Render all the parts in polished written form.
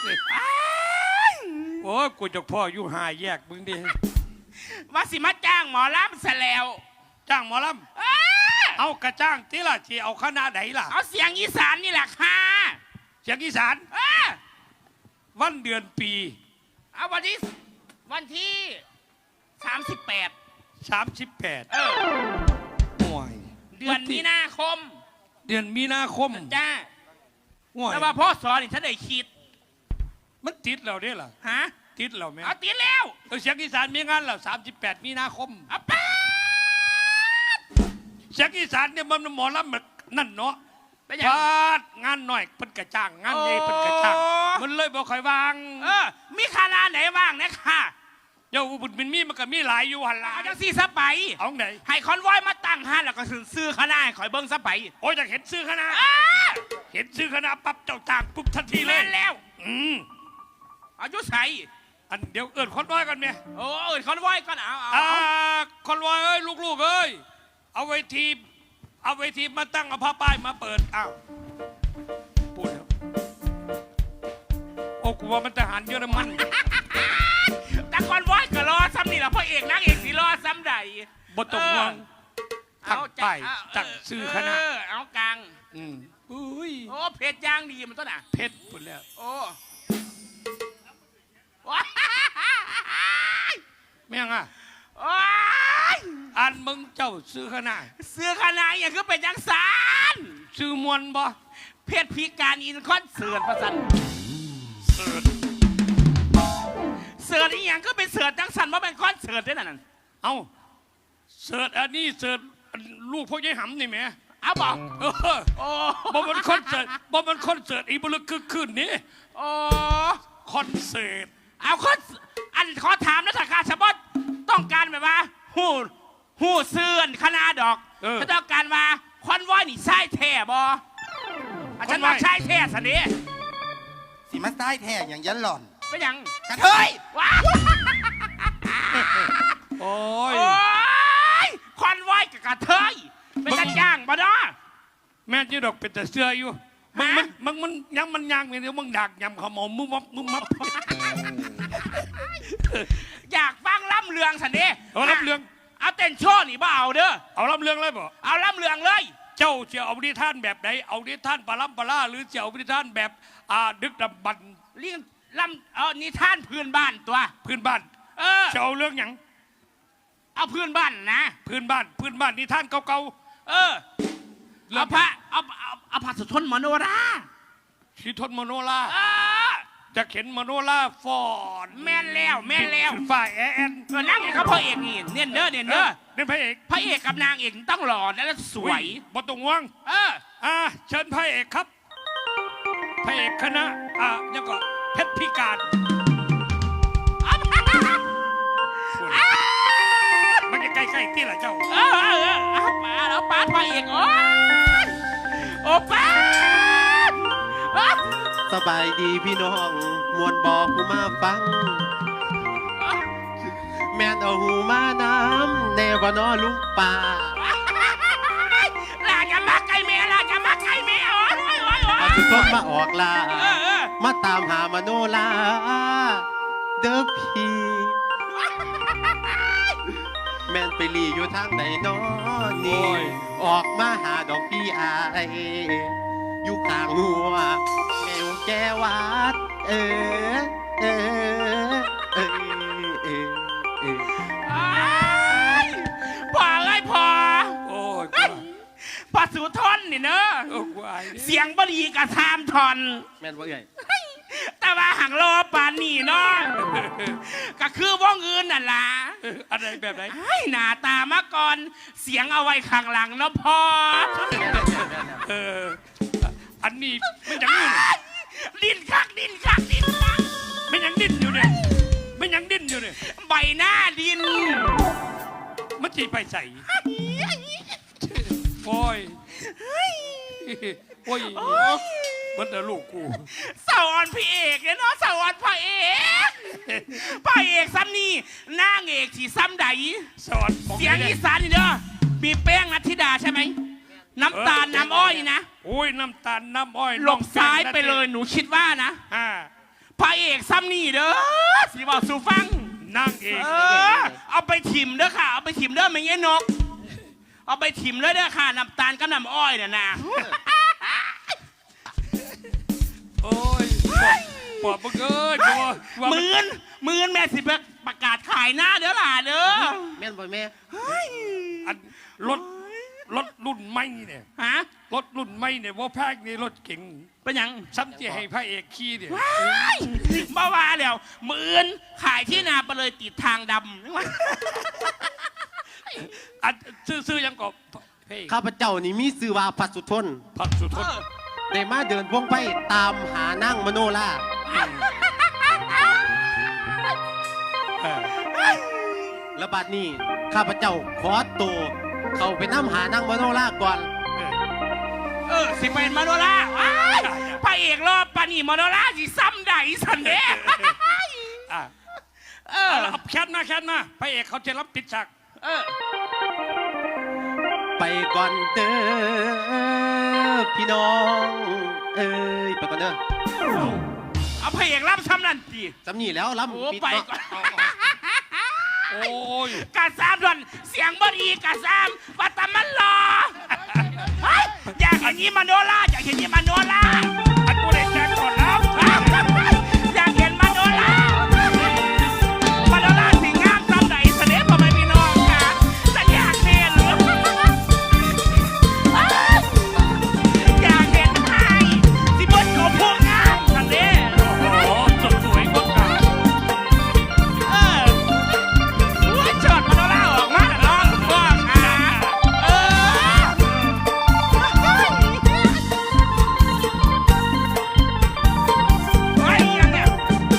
โอ้กูจะพ่ออยู่หาแยกมึงดิว่าสิมาจ้างหมอลำซะแล้วจ้างหมอลำเอากระจ้างที่ล่ะที่เอาคณะไหนล่ะเอาเสียงอีสานนี่แหละค่ะเสียงอีสานวันเดือนปีเอาวันที่38 ห่วยเดือนมีนาคมจ้าแต่ว่าพ่อสอนนี่ฉันได้คิดมันติดเราเนี่ยล่ะฮะติดเราไหมเอาติดแล้วเสียงอีสานมีงานแล้ว38 มีนาคมป้าเสียงอีสานเนี่ยมันหมอลำนั่นเนาะพาดงานหน่อยเพิ่นกระจ้างงานใหญ่เพิ่นกระจ้างมันเลยบอกใครวางมีคณะไหนว่างนะค่ะเดี๋ยวบุญมินมีมันก็มีหลายอยู่หันละเอาจังซี่ซะไปเอาไหนให้คอนวอยมาตั้งห้าแล้วก็ซื้อคณะข่อยเบิ้งซะไปโอ้ยอยากเห็นซื้อคณะเห็นซื้อคณะปั๊บเจ้าจ้างปุ๊บทันทีเลยแล้วอายุใส่อันเดี๋ยวเอิญคอนวอยกันไหมโอ้เอิญคอนวอยก่อนเอาคอนวอยเอ้ยลูกๆเอ้ยเอาเวทีมาตั้งเอาผ้าป้ายมาเปิดอ้าวพูดครับโอ้กูว่ามันทหารเยอรมันแต่คอนวอยก็รอซ้ำนี่แหละพ่อเอกนางเอกสิรอซ้ำใดบทตกวงตั้งป้ายตั้งซื้อคณะเอากลางอุ้ยโอ้เพชรย่างดีมันต้นอ่ะเพชรหมดแล้วโอ้ไม่ยังอ่ะอันมึงเจ้าซื้อคณะอย่างคือเป็นยังสารซื้อมวลบ่เพชรพิการอินคอนเสิร์ตประสันเสิร์ตอีหยังก็เป็นเสิร์ตจังสันว่าเป็นคอนเสิร์ตได้นั่นเอาเสิร์ตอันนี้เสิร์ตลูกพ่อใหญ่หำนี่แหมเอาบอกบ่มันคอนเสิร์ตอีบุลคึกคืนนี่คอนเสิร์ตเอาอันขอถามนะสักการสมบัติต้องการแบบว่าหูเสื่อนคณะดอกถ้าต้องการว่าคอนวอยนี่ใช่แท้บ่อาจารย์ว่าใช่แท้สันนี้สิมาใต้แท้อย่างยันหล่อนเป็นยังกระเทยว้าโอ้ยคอนวอยกับกระเทยเป็นกันย่างบ่เนาะแม่จีดอกเป็นแต่เสื้ออยู่มันยังมันย่างเดี๋ยวมึงดักยำขมมึงมับอยากฟังล่ำเรืองสันนี้เอาล่ำเรืองเอาเต้นโชว์นี่บ่เอาเด้อเอาล่ำเรืองเลยบ่เอาล่ำเรืองเลยเจ้าจะเอาดิท่านแบบไหนเอาดิท่านปลาล่ำปลาหรือจะเอาดิท่านแบบดึกดำบรรเรื่องล่ำนิทานพื้นบ้านตัวพื้นบ้านจะเอาเรื่องอย่างเอาพื้นบ้านนะพื้นบ้านนิทานเก่าๆเอาพระสุทนมโนราสุทนมโนราจะเข็นมโนราฟอนแม่นแล้วฝ่ายแอนนั่งเขาพระเอกนี่เน้นเด้อนี่พระเอกกับนางเอกต้องหล่อและสวยบทตรงว่างเชิญพระเอกครับพระเอกคณะยังก็เพชรพิการมันจะใกล้ๆที่ละเจ้าป้าพระเอกโอ้ป้าสบายดีพี่น้องมวลบอผู้มาฟังแม่นเอาหูมาน้ำแนวบ่นอลุงป่าลาจะมาไกลเมียเอาสุดท้นมาออกลามาตามหามโนลาเด้อพี่แม่นไปลีอยู่ทางไหนน้อนี่ออกมาหาดอกพี่อายอยู่ข้างหัวแมวแก้วัดพ่อเอ้ยพ่อสุทนนี่เนอะเสียงบดีกระทามทอนแม่นว่าไงแต่ว่าห่างรอปานนี่เนาะก็คือว่องอื่นน่ะล่ะอะไรแบบไหนหน้าตามาก่อนเสียงเอาไว้ข้างหลังเนาะพ่ออันนี้ไม่ยังอยู่ดิ้นคักไม่ยังดิ้นอยู่เนี่ยใบหน้าดิ้นมันจีไปใส่โอ้ยมันแต่ลูกกูสอนพี่เอกเนี่ยเนาะสอนพระเอกซ้ำนี่นางเอกที่ซ้ำใดสอนเสียงอีสานนี่เด้อมีแป้งนัทธิดาใช่ไหมน้ำตาลน้ำอ้อยนะโอ้ยน้ำตาลน้ำอ้อยหลบซ้ายไปเลยหนูคิดว่านะพอกซ้ำนี่เด้อสิบอกสู่ฟังนางเอกเอาไปถิ่มเด้อค่ะเอาไปถิ่มเด้อไม่เงี้ยนกเอาไปถิ่มเลยเด้อค่ะน้ำตาลกับน้ำอ้อยเนี่ยนะโอ้ยปอบมึงเอ้ยตัวหมื่นแม่สิประกาศขายหน้าเด้อล่ะเด้อแม่นบ่แม่อันรถรุ่นใหม่เนี่ยฮะรถรุ่นใหม่เนี่ยว่าแพงนี่รถเก๋งเป็นหยังซ้ำจะให้พระเอกขี่เนี่ยบ้าว่าแล้วหมื่นขายที่นาไปเลยติดทางดำอันซื้อยังก็เพ่งข้าพเจ้านี่มีชื่อว่าพัสุทนผักสุดทนได้มาเดินวงไปตามหานั่งมโนราเออและบัดนี้ข้าพเจ้าขอตัวเข้าไปน้ำหานั่งมโนราก่อนสิเป็นมาโนราว้ายพระเอกรอบปานี่มาโนราสิซ้ำได้สันเด้อ่ะเอาแคทมาพระเอกเขาจะรับปิดฉากไปก่อนเด้อพี่น้องเอ้ยไปก่อนเด้อเอาพระเอกรับซ้ำนั่นสิจำนี่แล้วโอ้ล้ำปิดไปเนาะก่อนโอ้ยกาซามด่วนเสียงบดีกาซามวัตตมันรอเฮ้ยอยากเห็นยี่มาโนราอยากเห็นยี่มาโนราอันกูได้แจ้งก่อนแล้วอยากเห็นมาโนรามาโนราสิงามซ้ำไหนเสน่ห์พ่อแม่พี่น้องค่ะแต่อยากเห็นอยากเห็นไทยสิบนเขาพวงงามสันเด้โอ้สวยงดงามเชิดมาโนราออกมาแต่ร้องว่าค่ะไอ้ยังเนี่ย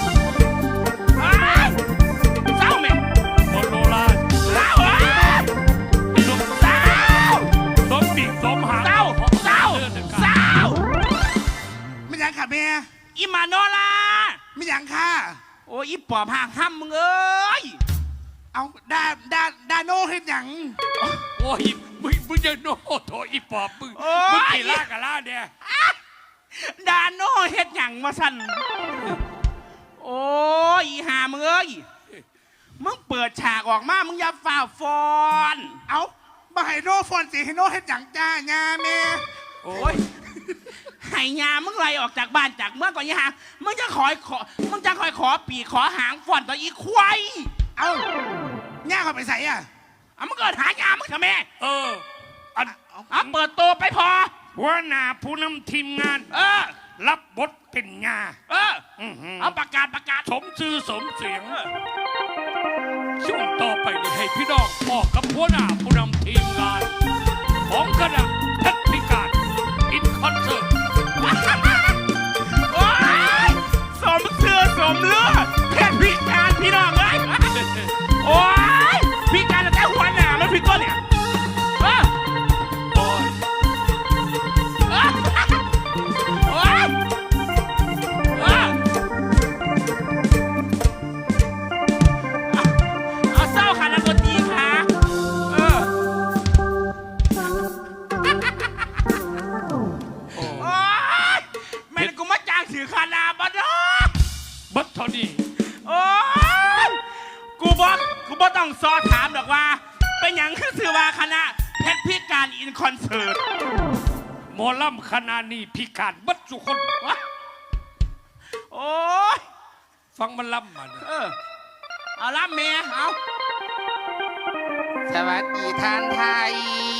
เศร้าไหมโมโนราเศร้าเศร้าสมปีกสมหางเศร้าเศร้าเศร้าไม่ยังค่ะแม่อีมาโนราไม่ยังค่ะโอ้ยอีปอบห่างห้ำมึงเอ้ยเอาดาโนเฮ็ดหยังโอ้ยมึงจะโน่โถอีปอบมึงกี่ล่ากับล่าเนี่ยดาโนเฮ็ดหยังมาสั่นโอ้ยอีห่ามึงเอ้ยมึงเปิดฉากออกมามึงอย่าฝ่าฟอนเอาบ่ให้โนฟอนสิให้โนเฮ็ดหยังจ้างาแม่โอ้โอ้ยยให้ยามึงไล่ออกจากบ้านจากเมื่องก่อนยี่ห่ามึงจะคอยขอปีกขอหางฟอนต่ออีควายเอาย่าเขาไปใส่อ่ะเอามึงเกิดหายามึงทำไมอันเอาเปิดตัวไปพอหัวหน้าผู้นำทีมงาน รับบทเป็นงาเอาประกาศสมชื่อสมเสียง ช่วงต่อไปนี้ให้พี่น้องบอกกับหัวหน้าผู้นำทีมงาน ของคณะเพชรพิการอินคอนเสิร์ตโอ้ยสมเสือสมเลือดเพศพิการพี่น้องเลยโอ้ยพิการแต่หัวหน้ามันผิดตัวเนี่ยโอ้ยโอ้ยเอาเศร้าค่ะนักดนตรีค่ะโอ้ยแม่งกูมาจ้างสื่อคานาบดอบัตเท่านี้โอ้ยกูบอกต้องซอถามดอกว่า เป็นอย่างคือสื่อว่าคณะเพชรพิการอินคอนเสิร์ตหมอลำคณะนี้พิการบัตสุคนโอ้ยฟังมันลำมาเนี่ยเอาล่ะเมียเอาสวัสดีท่านไทย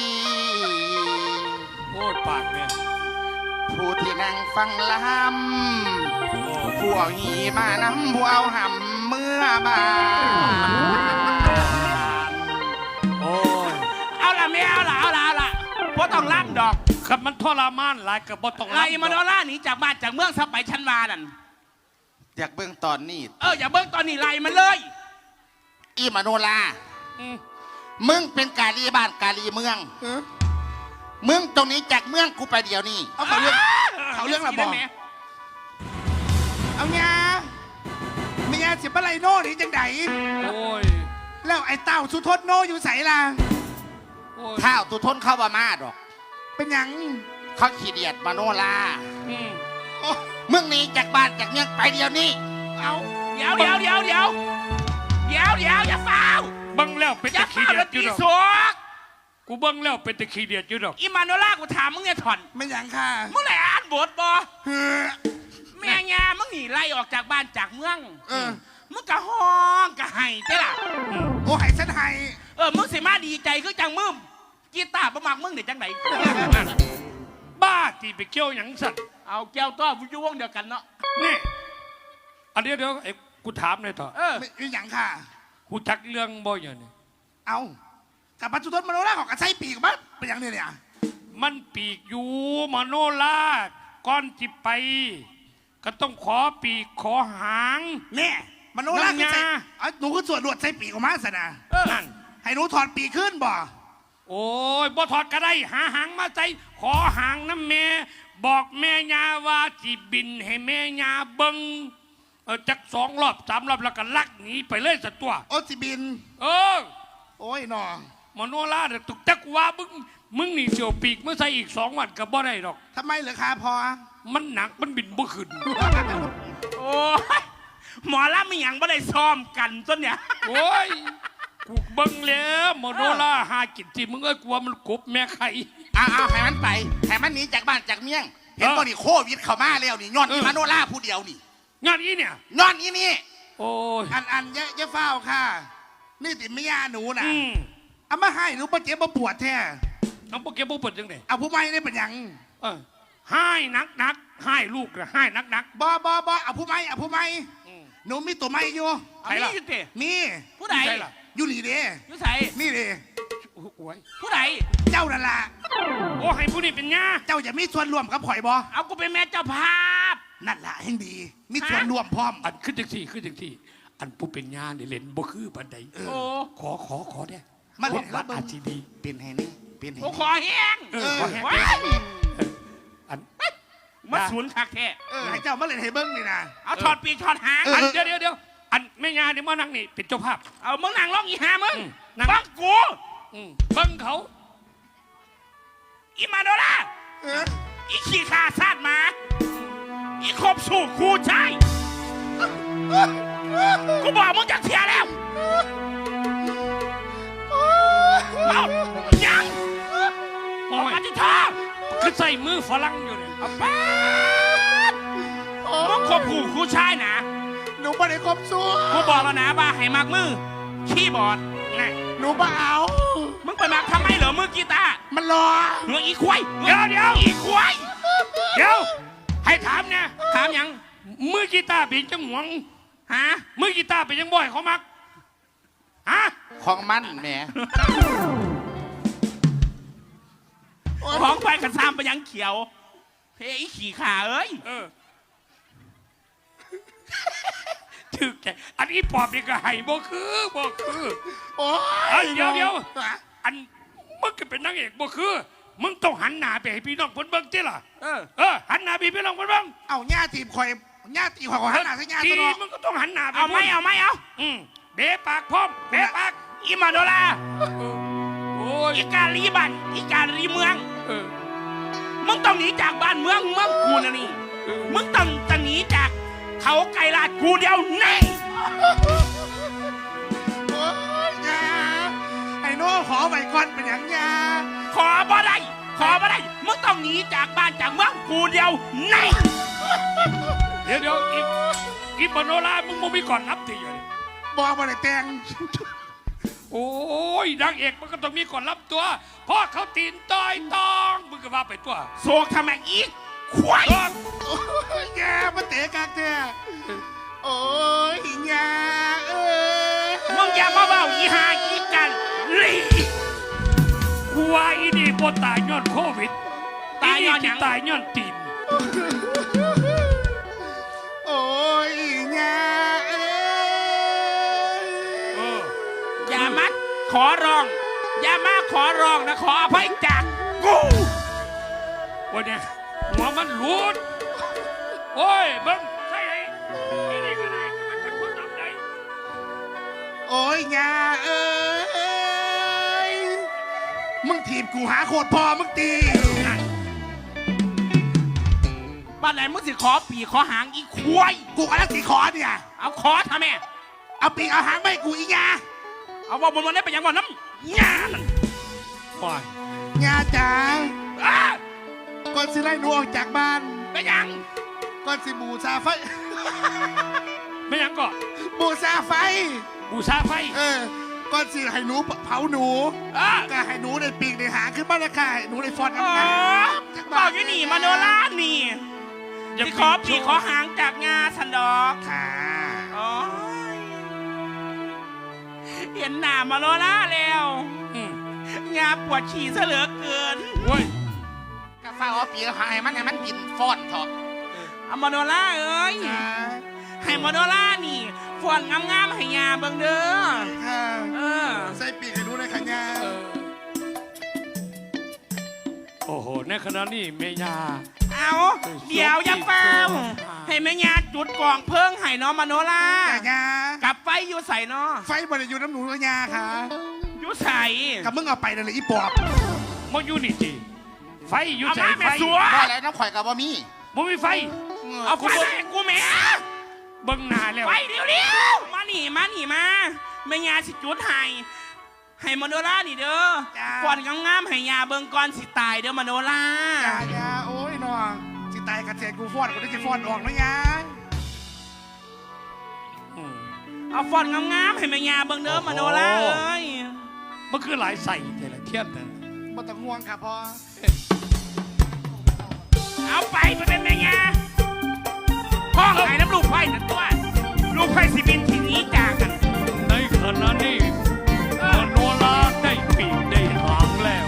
โอ้ยปากเนี่ยผู้ที่นั่งฟังลโอ้ำผู้เอาหีมานำผู้เอาหำเมื่อบานโอ้ยเอาล่ะเมียเอาล่ะเพราะต้องล่ำดอกขับมันทรมานหลายกับบ่ต้องไล่ลำมาโนล่าหนีจากบ้านจากเมืองซะไปชันวานั่นอยากเบิ่งตอนนี้อย่าเบิ้งตอนนี้ไล่มันเลยอีมาโนลาอืมมึงเป็นกาลีบ้านกาลีเมือง มึงตรงนี้จากเมืองกูไปเดี๋ยวนี้เอาเขาเรื่องละบอกเอางาเมียสิบอะไรโนนี่จังไดโอ้ยแล้วไอ้เต้าสุทนโนอยู่ใส่ล่ะโอ้ยท้าวตุทนเข้ามาดอกเป็นหยังเขาขี้เดียดมาโนลาอืมโอ้มึงหนีจากบ้านจากเมืองไปเดี๋ยวนี้ฮเอาเดี๋ยวอย่าเฝ้าเบิ่งแล้วเป็นอย่าตะขี้เฝ้าเดียแล้ดวอยู่ตีดอกสวกกูเบิ่งแล้วเป็นตะขี้เดียดอยู่ดอกอีมาโนล่ากูถามมึงเนี่ยถอนไม่หยังค่ะมึงไหนอ่านบทบ่เฮ้อแม่ยามึงหนีไล่ออกจากบ้านจากเมืองเออมึงกะห้องกะไห้เจ้ล่ะโอ้ให้ฉันให้มึงสิมาดีใจคือจังมึงกีตาร์ประมักมึงเดี๋ยวจังไหนบ้าที่ไปเกี่ยวหยังสัตว์เอาแก้วต้อผู้ยุ่วงเดียวกันเนาะนี่อันเดี๋ยวไอ้กูถามหน่อยเถอะไม่หยังค่ะกูจักเรื่องบ่อย่างนี้เอากับปัจจุบันมโนราของกระไซปีกบ้าเป็นหยังเนี่ยมันปีกอยู่มโนราก่อนจิไป ก็ต้องขอปีกขอหางเนี่ยมโนราคือใส่น้ำยาเอาหนูคือส่วนลวดใส่ปีกออกมาสนะนั่นให้หนูถอดปีกขึ้นบ่โอ้ยบ่ถอดก็ได้หาหางมาใส่ขอหางน้ำแม่บอกแม่ยาว่าจิบินให้แม่ยาเบิงจัก2 รอบ 3 รอบแล้วก็ลักหนีไปเลยสัตว์ตัวโอจิบินเออโอ้ยหนอมโนราเนี่ยตุกจักว่ามึงนี่เสียวปีกเมื่อใส่อีก2 วันก็บ่ได้ดอกทำไมเหรอคะพอมันหนักมันบินบ่ขึ้นโอ้ยหมอละไม่หยังไม่ได้ซ้อมกันต้นเนี่ยโอ้ยกูเบิ่งแล้วมโนราหากินที่มึงเอ้ยกลัวมันกบแม่ไข่เอาให้มันไปให้มันหนีจากบ้านจากเมียง เห็นบ่นี่โควิดเข้ามาแล้วนี่ย้อนอีมาโนล่าผู้เดียวนี่งานนี้เนี่ยย้อนอีนี่โอ้ยอันเยอะเฝ้าค่ะ นี่ติดไม่ยาหนูนะอืมเอามาให้หนูปะเจ็บปะปวดแท้น้องโปเกมอนเปิดจังไดเอาผู้ไม่ได้เป็นหยังให้นักให้ลูกนะให้นักบเอาผู้ไม่เอาผู้ไม่อืมหนูมีตัวไม่อยู่เอานี่อยู่เตะมีผู้ใดใช่ล่ะอยู่นี่เด้อยู่ใส่นี่เด้โอ้โหยผู้ใดเจ้านั่นล่ะโอ้ให้ผู้นี้เป็นญาเจ้าจะมีส่วนร่วมกับข่อยบ่เอากูเป็นแม่เจ้าภาพนั่นล่ะแห่งดี มีส่วนร่วมพร้อมอันขึ้นจังที่อันผู้เป็นญาเนี่ยเล่นบ่คือปานใดโอ้ขอได้มาเล่นวัรัดบเบิ่งอาชีดีเป็นให้นี่เป็นให้กูนี่ขอแห้งขอแห้งว้ายอันมาศูนย์คักแท้ให้เจ้ามาเล่นให้เบิ่งนี่นะเอาถอดปีกถอดหางอันเดี๋ยวอันแม่ญาเนี่ยมานั่งนี่เป็นเจ้าภาพเอามึงนั่งร้องอีหามึงนั่งบังกูเบิ่งเขาอีมาโดล่าเอออีขี้ขาซาดหมาอีคบสู่คูใช่กูบอกมึงจะเทียแล้วเอายังโอ้ออกยมาที่ท่าคือใส่มือฝรั่งอยู่เนี่ยเอาป๊าดมึงคบคู่คูใช่นะหนูบ่ได้ครบสู้กูบอกแล้วนะว่าให้มักมือคีย์บอร์ดนะหนูบ่เอามึงไปมักทำไมเหรอมือกีตาร์มันรอเงืออีควายเดี๋ยวอีควายเดี๋ยวให้ถามเนี่ยถามยังมือกีตาร์เป็นจังหวงฮะมือกีตาร์เป็นยังบ่อยเขามักฮะของมันแหมของไปกันซ้ำไปยังเขียวเฮ้ยอีขี่ขาเอ้ยถึกใจอันนี้ปอบนี่ก็ให้บ่คือโอ้เอ้ยยเดี๋ยวอันมึงก็เป็นนางเอกบ่คือ มึงต้องหันหน้าไปให้พี่น้องเพิ่นเบิ่งติล่ะหันหน้าไปให้พี่น้องเพิ่นเบิ่งเอาหญ้าทีมข่อยหญ้าตีข่อยหันหน้าใส่หญ้าทีตัวเนาะมึงก็ต้องหันหน้าไปเอาไหมเอาไหมเอาเบะปากพร้อมเบะปากอีมาโดลาโอ้ยอีการีบันอีการีเมืองมึงต้องหนีจากบ้านเมืองกูนะนี่มึงต้องหนีจากเขาไกลลาดกูเดียวแน่โอ้ยหญ้าไอ้โน่ขอไว้ก่อนเป็นหยังหญ้าขอบ่ได้มึงต้องหนีจากบ้านจากเมืองกูเดียวแน่เดี๋ยวอีปโนรามึงบ่มีก่อนรับทีอยู่นี่บอกบ่ได้แต่งโอ้ยนางเอกมันก็ต้องมีก่อนรับตัวเพราะเขาตีนต้อยตองมึงก็ว่าไปตัวโศกทำไมอีกควายโอ้ยหญ้ามาเตะกากแท้โอ้ยหญ้าเอ้ยมึงอย่ามาเบ้าอีหาอีกันลีกูว่าอีนี่บ่ตายย้อนโควิดตายย้อนหที่ยังตายย้อนตีนโอ้ยหญ้าเอ้ยอย่ามาขอร้องนะขออภัยจากกูวันเนี้ยหัวมันหลุดโอ้ยเบิ่งใช่ไอ้อีนี่ก็ได้มันจะคนทำได้โอ้ยหญ้าเอ้ยมึงถีบกูหาโคตรพอมึงตีปบ้านไหนมึงสิขอปีขอหางอีควายกูกำลังสีขอเนี่ยเอาขอทำไมเอาปีกเอาหางไม่กูอีกยาเอาว่าบนวันนี้ไปยังบ่น้ำงานควายยาจ๋าอ้าก่อนสิไล่หนูออกจากบ้านไปยังก่อนสิบูชาไฟไม่หยังก็บูชาไฟบูชาไฟก่อนสิให้หนูเผาหนูอ้าก็ให้หนูในปีกในหางขึ้นบ้านละค่ะให้หนูในฟอนอ๋อบอกอยู่นี่มาโนรานี่อย่าสิขอปีขอหางจากงาสันดอกค่ะอ๋อเห็นหน้ามาโนราแล้วอืมงาปวดฉี่ซะเหลือเกินเว้ยกาฟ้าเอาปีกหายมันให้มันกินฟ้อนเถอะเอามาโนราเอ้ยค่ะให้มาโนรานี่ฝวนงามๆให้ยาเบิ่งเด้อค่ะเออใส่ปีกให้หนูในขันยาโอ้โหในขณะนี้เมยาเอาเดี๋ยวอย่าเฝ้าให้แม่ยาจุดกล่องเพิ่งให้น้องมาโนราแต่ยากับไฟอยู่ใส่เนาะไฟบริอยู่น้ำหนูกับยาค่ะอยู่ใส่กับมึงเอาไปเลยอีปอบมาอยู่นี่จีไฟอยู่เอาใจมาไฟแม่สัวบ่อะไรน้ำข่อยกับบ่มีบ่มีไฟเอาไฟมาให้กูแม่เบิ่งหน้าแล้วไฟเร็วๆมานี่มาแม่ยาสิจุดให้มาโนรานี่เด้อฝวนงามๆให้ยาเบิ่งก่อนสิตายเด้อมาโนรายาโอ้ยน้องสิตายกระเทียนกูฟอนกูได้จะฟอนออกนะยาอืมเอาฝวนงามๆให้แม่ยาเบิ่งเด้อมาโนราเอ้ยมันคือหลายใส่แต่ละเทียนนั่นบ่ต้องห่วงค่ะพ่อเอาไปเป็นแม่ยาพ่อไห้น้ำลูกไฟนั่นตัวลูกไฟสิบินทีนี้จากกันในขณะนี้มโนราได้ปีกได้หางแล้ว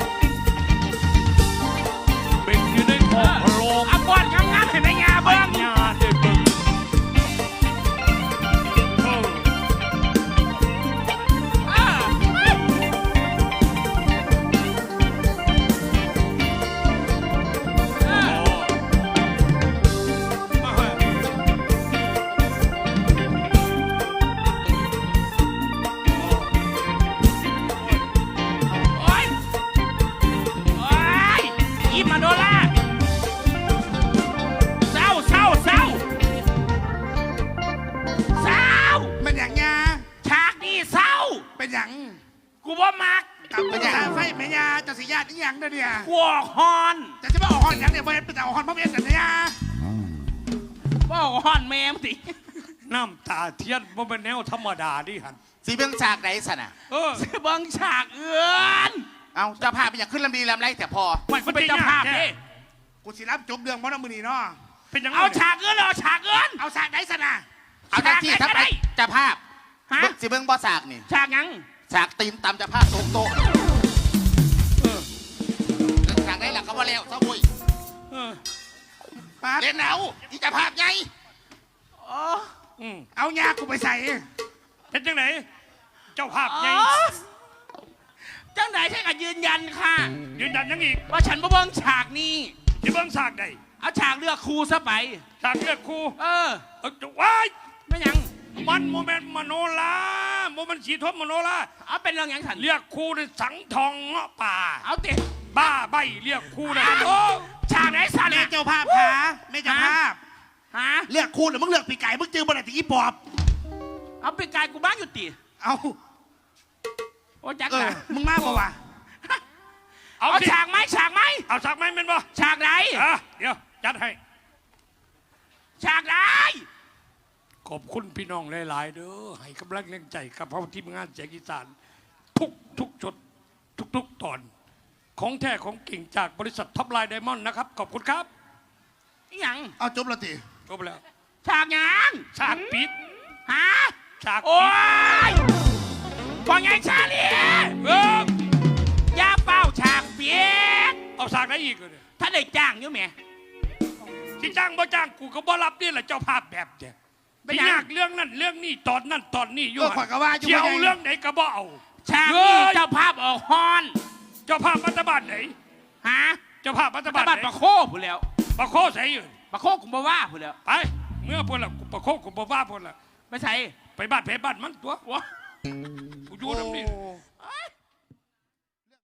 เป็นอยู่ในท้องโรงเอาฝวนงามๆให้แม่ยาปัเบิ่ญงญาได้เบิ่งเออเออเออมาเฮ้ยโอ๊ยโอ๊ยอีมาโนราเศร้าเศร้าเศร้าเศร้าเป็นอย่างยาฉากนี้เศร้าเป็นอย่างกูบ่มักกับเป็นอย่างไฟแม่ยาจะสิญาติอีหยังเด้อเนี่ยกูออกฮอนจะมาออกฮอนอย่างเนี่ยบ่เป็นแต่ออกฮอนพ่อเมียกันนะยาบ่ออกฮอนแม่มติน้ำตาเทียนบ่เป็นแนวธรรมดาดิหันสีเบิ่งฉากไหนสนะเออเบิ่งฉากเอื้อนเอาเจ้าภาพเป็นอย่างขึ้นลำดีลำไรแต่พอมันเป็นเจ้าภาพเด้กูสิรับจบเรื่องบ่น้ำมือนี่เนาะเป็นยังไงเอาฉากเอื้อนเอาฉากเอื้อนเอาฉากไหนสนะเอาทักที่ทักไปเจ้าภาพฮะเบิ่งสิเบิ่งบ่ฉากนี่ฉากหยังฉากตีนตำเจ้าภาพตกโต๊ะฉากไหนล่ะก็บ่แล้วเจ้าบุยเออปั๊บเล่นเอาที่เจ้าภาพไงอ๋ออืมเอายากูไปใส่เป็นจังไหนเจ้าภาพอ๋ใหญ่อจังไหนใช่กับยืนยันค่ะยืนยันยังอีกว่าฉันบ่เบิ่งฉากนี้ที่เบิ่งฉากใดเอาฉากเลือกครูซะไปฉากเลือดครูเออจะว้ายไม่หยังมันโมเมนต์มโนราโมเมนต์สีทบมโนราเอาเป็นเรื่องหยังฉันเรียกครูในสังทองเงาะป่าเอาติบ้าใบเรียกครูนะโอ้ฉากไหนสันแม่น่ะเจ้าภาพขาแม่เจ้าภาพฮะเลือกคูณหรือมึงเลือกปีไก่มึงจื้อบนไหนตีอีปอบเอาไปกายกูบ้างอยู่ติเอาโอ้จักเออละมึงมาบ่วะเอาเอาสิฉากไหมฉากไหมเอาฉากไหมเป็นบ่ฉากไหนอ่ะเดี๋ยวจัดให้ฉากไหนขอบคุณพี่น้องหลายๆเด้อให้กำลังแรงใจกับพ่อทีมงานแจกอีสานทุกจุดทุกตอน ของแท้ของกิ่งจากบริษัทท็อปไลน์ไดมอนด์นะครับ ขอบคุณครับอิหยังเอาจบและติจบแล้วฉากหยังฉากปิดฮะฉากโอ้ปิดยฟังไงชาลีเออย่าเป้าฉากเปียกเอาฉากไหนอีกเลยถ้าได้จ้างอยู่แหม่ที่จ้างบ่จ้างกูก็บ่รับนี่แหละเจ้าภาพแบบเนี้ยไม่ไม่อยากยากเรื่องนั้นเรื่องนี้ตอนนั้นตอนนี้อยู่ก็ขอยกว่าอยู่เที่ยวว่าไงเรื่องไหนก็บ่เอาฉากเฮ้นี้ยเจ้าภาพออกฮอนเจ้าภาพรัฐบาลไหนฮะเจ้าภาพรัฐตะบาลบัดไหนประโคผู้แล้วปะโคใส่อยู่ประโคกุมบว่าผู้แล้วไปเมื่อพนละกูปะโคกูบ่ว่าพนละไม่ใช่ไปบ้านเพบ้านมันตัววะกูอยู่น้ำนี่โอ้